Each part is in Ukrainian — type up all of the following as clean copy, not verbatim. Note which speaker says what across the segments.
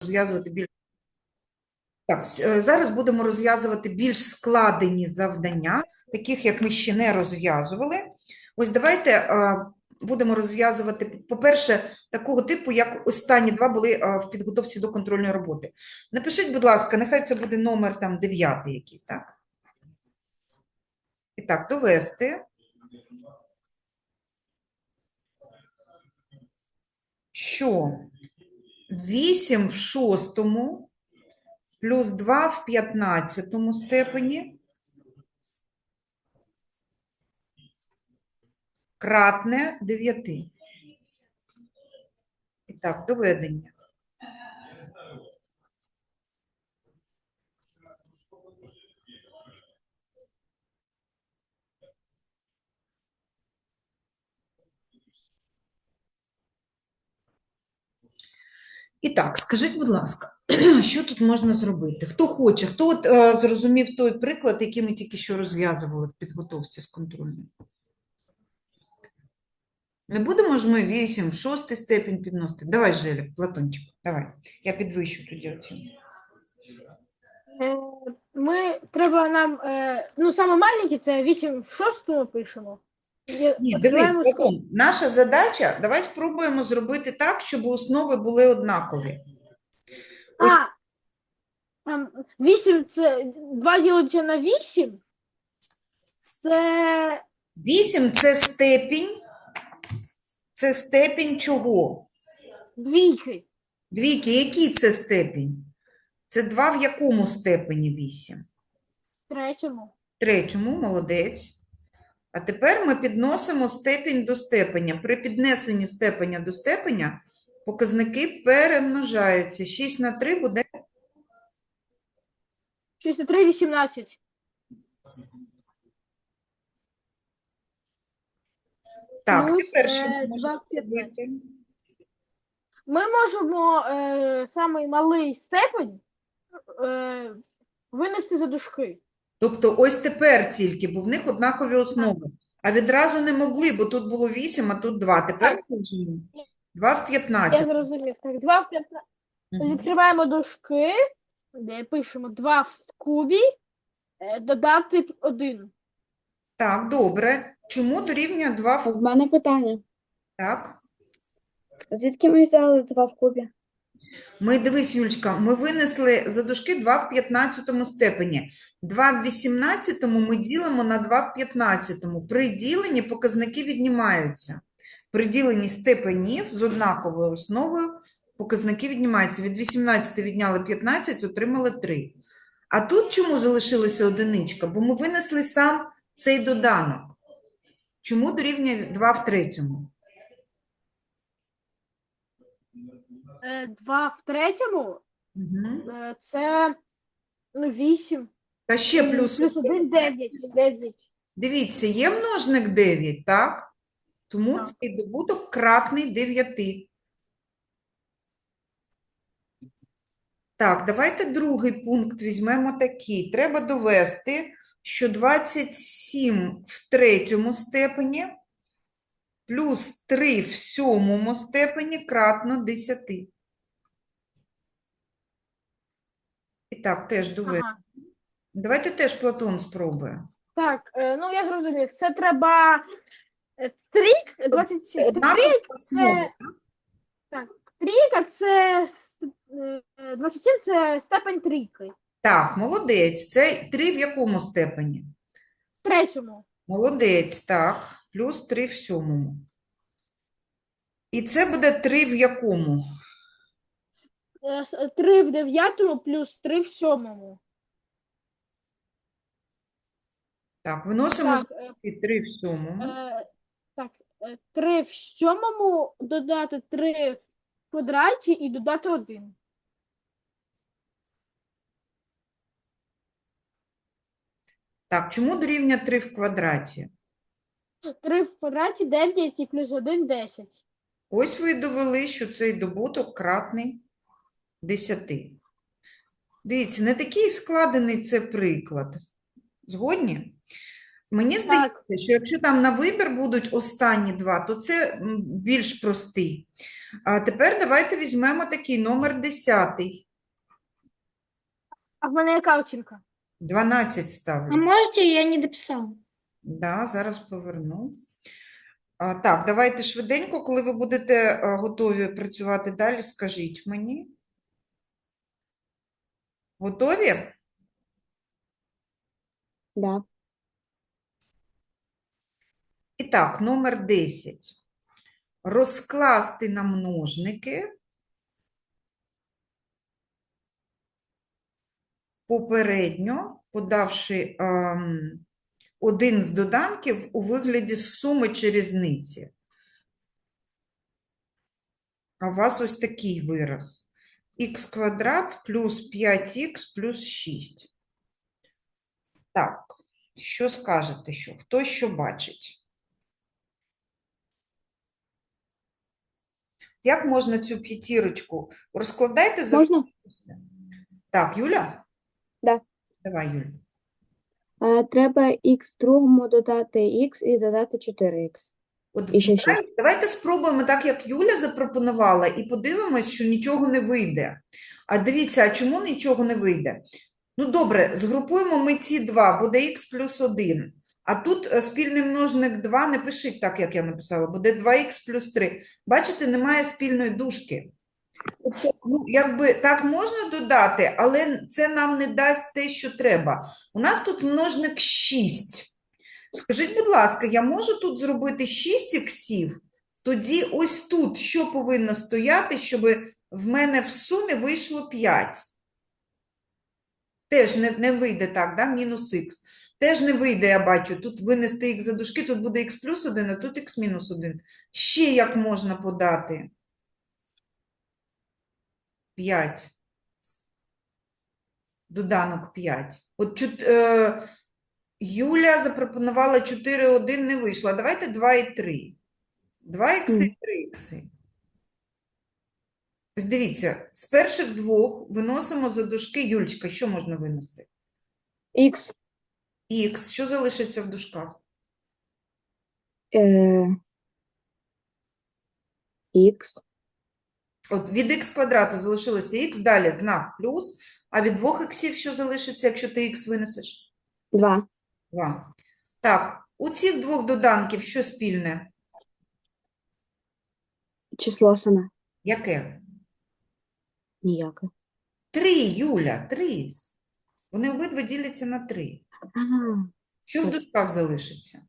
Speaker 1: розв'язувати більш... Так, зараз будемо розв'язувати більш складені завдання, таких, як ми ще не розв'язували. Ось давайте будемо розв'язувати, по-перше, такого типу, як останні два були в підготовці до контрольної роботи. Напишіть, будь ласка, нехай це буде номер там 9 якийсь, так? І так, довести, що 8 в шостому плюс 2 в 15 степені кратне 9. І так, доведення. І так, скажіть, будь ласка, що тут можна зробити? Хто хоче? Хто от, зрозумів той приклад, який ми тільки що розв'язували в підготовці з контрольною? Не будемо ж ми 8 в 6 степень підносити? Давай, Желя, Платончик, давай. Я підвищу тоді оцінку.
Speaker 2: Треба нам, ну, саме маленький, це 8 в 6 пишемо.
Speaker 1: Ні, дивись, Платон, наша задача, давай спробуємо зробити так, щоб основи були однакові. Ось.
Speaker 2: 8 це 2 ділиться на 8. Це
Speaker 1: 8 це степінь чого?
Speaker 2: двійки.
Speaker 1: Двійки, який це степінь? Це 2 в якому степені 8?
Speaker 2: Третьому.
Speaker 1: Третьому, молодець. А тепер ми підносимо степінь до степеня. При піднесенні степеня до степеня показники перемножаються. 6 на 3 буде?
Speaker 2: 6 на 3 – 18.
Speaker 1: Так,
Speaker 2: Плюс,
Speaker 1: тепер що ми
Speaker 2: 2
Speaker 1: можемо
Speaker 2: в 15.
Speaker 1: робити?
Speaker 2: Ми можемо самий малий степень винести за дужки.
Speaker 1: Тобто ось тепер тільки, бо в них однакові основи. А відразу не могли, бо тут було 8, а тут 2. Тепер можемо. 2 в
Speaker 2: Я
Speaker 1: 15.
Speaker 2: зрозумів. Так, 2 в 15.
Speaker 1: Мгм.
Speaker 2: Відкриваємо дужки, де пишемо 2 в кубі, додати 1.
Speaker 1: Так, добре. Чому дорівнює 2 в...
Speaker 3: В мене питання.
Speaker 1: Так.
Speaker 3: Звідки ми взяли 2 в кубі?
Speaker 1: Ми, дивись, Юлечка, ми винесли за дужки 2 в 15 степені. 2 в 18 ми ділимо на 2 в 15. При діленні показники віднімаються. При діленні степенів з однаковою основою показники віднімаються. Від 18 відняли 15, отримали 3. А тут чому залишилася одиничка? Бо ми винесли сам цей доданок. Чому дорівнює 2 в третьому?
Speaker 2: 2 в третьому
Speaker 1: Угу.
Speaker 2: це 8.
Speaker 1: Та ще плюс.
Speaker 2: Плюс 1 – 9. 9.
Speaker 1: Дивіться, є множник 9, так? Тому
Speaker 2: Так.
Speaker 1: цей добуток кратний 9. Так, давайте другий пункт візьмемо такий. Треба довести, що 27 в третьому степені плюс 3 в сьомому степені кратно 10. І так, теж довести.
Speaker 2: Ага.
Speaker 1: Давайте теж Платон спробує.
Speaker 2: Так, ну я зрозумів. Це треба трік, 27.
Speaker 1: Однакові
Speaker 2: Трік
Speaker 1: основи.
Speaker 2: так, трійка це 27 це степень трійки.
Speaker 1: Так, молодець. Це 3 в якому степені?
Speaker 2: В третьому.
Speaker 1: Молодець, так. Плюс 3 в сьомому. І це буде 3 в якому?
Speaker 2: 3 в 9 плюс 3 в 7.
Speaker 1: Так, виносимо
Speaker 2: Так,
Speaker 1: 3 в сьомому.
Speaker 2: так, 3 в 7 додати 3 в квадраті і додати 1.
Speaker 1: Так, чому дорівнює 3 в квадраті?
Speaker 2: 3 в квадраті 9 і плюс 1 – 10.
Speaker 1: Ось ви і довели, що цей добуток кратний 10. Дивіться, не такий складений це приклад. Згодні? Мені здається,
Speaker 2: Так.
Speaker 1: що якщо там на вибір будуть останні два, то це більш простий. А тепер давайте візьмемо такий номер 10.
Speaker 2: А в мене яка оцінка?
Speaker 1: 12
Speaker 4: А
Speaker 1: ставлю.
Speaker 4: можете, я не дописала?
Speaker 1: Да, зараз поверну. Так, давайте швиденько, коли ви будете готові працювати далі, скажіть мені. Готові?
Speaker 3: Да.
Speaker 1: І так, номер 10. Розкласти на множники попередньо, подавши один з доданків у вигляді суми чи різниці. А у вас ось такий вираз. Х квадрат плюс 5х плюс 6. Так, що скажете, що? Хто що бачить? Як можна цю п'ятірочку? Розкладайте за...
Speaker 3: Можна?
Speaker 1: Так, Юля?
Speaker 3: Да.
Speaker 1: Давай, Юля.
Speaker 3: Треба х другому додати х і додати 4х.
Speaker 1: От
Speaker 3: І ще 6.
Speaker 1: давайте спробуємо так, як Юля запропонувала, і подивимось, що нічого не вийде. А дивіться, а чому нічого не вийде? Ну, добре, згрупуємо ми ці два, буде х плюс 1. А тут спільний множник 2 не пишіть так, як я написала, буде 2х плюс 3. Бачите, немає спільної дужки. Тобто, ну, якби так можна додати, але це нам не дасть те, що треба. У нас тут множник 6. Скажіть, будь ласка, я можу тут зробити 6 іксів? Тоді ось тут що повинно стояти, щоб в мене в сумі вийшло 5? Теж не вийде так, да? Мінус х. Теж не вийде, я бачу. Тут винести х за дужки, тут буде х плюс 1, а тут х мінус 1. Ще як можна подати? 5. Доданок 5. От Юля запропонувала 4, 1, не вийшло. Давайте 2 і 3. 2 ікси і 3 ікси. Ось дивіться, з перших двох виносимо за дужки. Юлечка, що можна винести?
Speaker 3: Х.
Speaker 1: Х. Що залишиться в дужках?
Speaker 3: Х.
Speaker 1: От від х квадрату залишилося х, далі знак плюс, а від двох іксів що залишиться, якщо ти х винесеш?
Speaker 3: 2.
Speaker 1: 2. Так, у цих двох доданків що спільне?
Speaker 3: Число саме.
Speaker 1: Яке?
Speaker 3: Ніяке.
Speaker 1: 3, Юля, 3. Вони обидва діляться на 3.
Speaker 3: Ага.
Speaker 1: Що в дужках залишиться?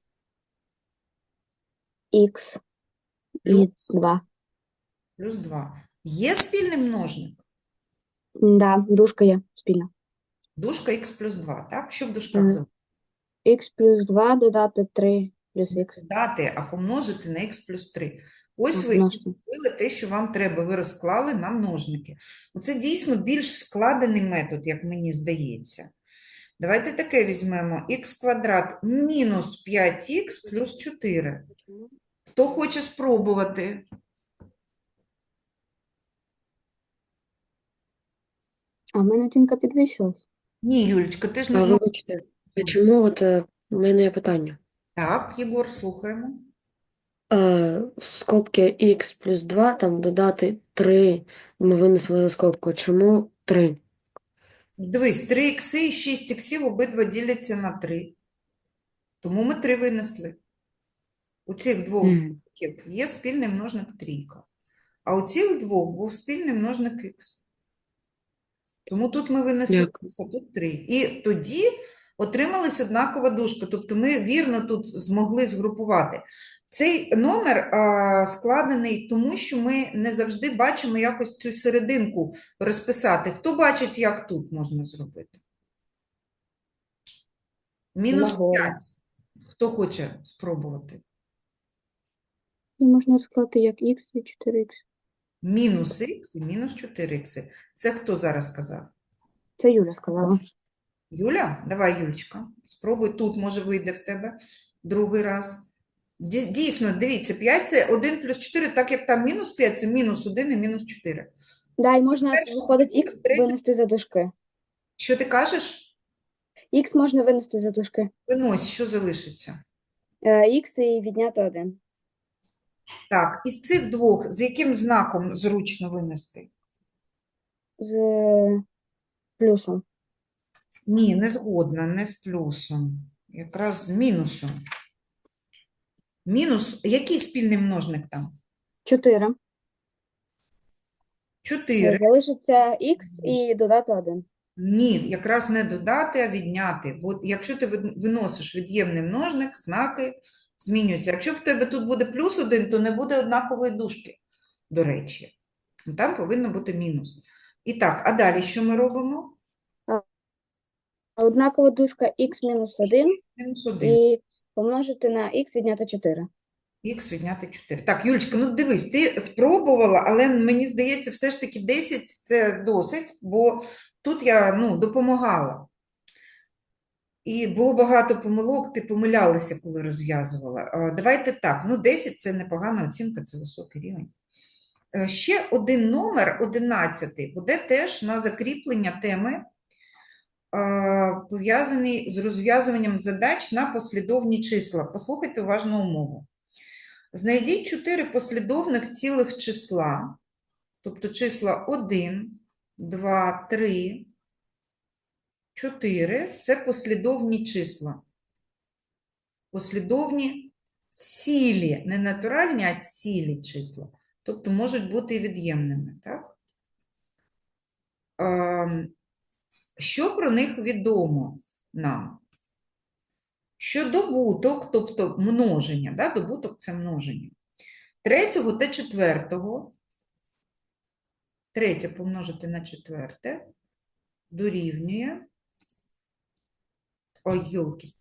Speaker 3: Х і
Speaker 1: Плюс.
Speaker 3: 2.
Speaker 1: Плюс 2. Є спільний множник?
Speaker 3: Да, дужка є спільна.
Speaker 1: Дужка х плюс 2, так? Що в дужках
Speaker 3: Мгм.
Speaker 1: залишиться?
Speaker 3: Х плюс 2 додати 3 плюс х.
Speaker 1: Дати, а помножити на х плюс 3. Ось ви
Speaker 3: Помножити.
Speaker 1: зробили те, що вам треба. Ви розклали на множники. Це дійсно більш складений метод, як мені здається. Давайте таке візьмемо. Х квадрат мінус 5х плюс 4. Хто хоче спробувати?
Speaker 3: А в мене оцінка підвищилась.
Speaker 1: Ні, Юлечка, ти ж не
Speaker 5: А
Speaker 1: зможеш.
Speaker 5: вибачте, а чому в мене є питання?
Speaker 1: Так, Єгор, слухаємо.
Speaker 5: Скобки х плюс 2, там додати 3, ми винесли за скобку. Чому 3?
Speaker 1: Дивись, 3 ікси і 6 іксів обидва діляться на 3. Тому ми 3 винесли. У цих двох
Speaker 5: Мгм.
Speaker 1: є спільний множник трійка. А у цих двох був спільний множник х. Тому тут ми винесли
Speaker 5: Дякую.
Speaker 1: х, а тут 3. І тоді отрималась однакова дужка. Тобто ми вірно тут змогли згрупувати. Цей номер складений тому, що ми не завжди бачимо якось цю серединку розписати. Хто бачить, як тут можна зробити? Мінус
Speaker 3: Нагору.
Speaker 1: 5. Хто хоче спробувати?
Speaker 3: І можна розклати як х і 4х.
Speaker 1: Мінус х і мінус 4х. Це хто зараз сказав?
Speaker 3: Це Юля сказала.
Speaker 1: Юля? Давай, Юлечка, спробуй тут, може вийде в тебе другий раз. Дійсно, дивіться, 5 – це 1 плюс 4, так як там мінус 5 – це мінус 1 і мінус 4.
Speaker 3: Да, і можна,
Speaker 1: Перше,
Speaker 3: виходить, х
Speaker 1: третє.
Speaker 3: винести за дужки.
Speaker 1: Що ти кажеш?
Speaker 3: Х можна винести за дужки.
Speaker 1: Винось, що залишиться?
Speaker 3: Х і відняти 1.
Speaker 1: Так, із цих двох, з яким знаком зручно винести?
Speaker 3: З плюсом.
Speaker 1: Ні, не згодна, не з плюсом. Якраз з мінусом. Мінус, який спільний множник там?
Speaker 3: 4.
Speaker 1: 4.
Speaker 3: Залишиться х і додати 1.
Speaker 1: Ні, якраз не додати, а відняти. Бо якщо ти виносиш від'ємний множник, знаки змінюються. Якщо в тебе тут буде плюс 1, то не буде однакової дужки, до речі. Там повинно бути мінус. І так, а далі що ми робимо?
Speaker 3: Однакова дужка х мінус 1
Speaker 1: Мінус 1.
Speaker 3: і помножити на х відняти 4.
Speaker 1: Х відняти 4. Так, Юлечка, ну дивись, ти спробувала, але мені здається, все ж таки 10 – це досить, бо тут я, допомагала. І було багато помилок, ти помилялася, коли розв'язувала. Давайте так, 10 – це непогана оцінка, це високий рівень. Ще один номер, 11, буде теж на закріплення теми, пов'язаний з розв'язуванням задач на послідовні числа. Послухайте уважно умову. Знайдіть 4 послідовних цілих числа, тобто числа 1, 2, 3, 4 – це послідовні числа. Послідовні цілі, не натуральні, а цілі числа. Тобто можуть бути і від'ємними, так? Що про них відомо нам? Що добуток, тобто множення, да? Добуток – це множення. Третього та четвертого, третє помножити на четверте, дорівнює, ой, йолки,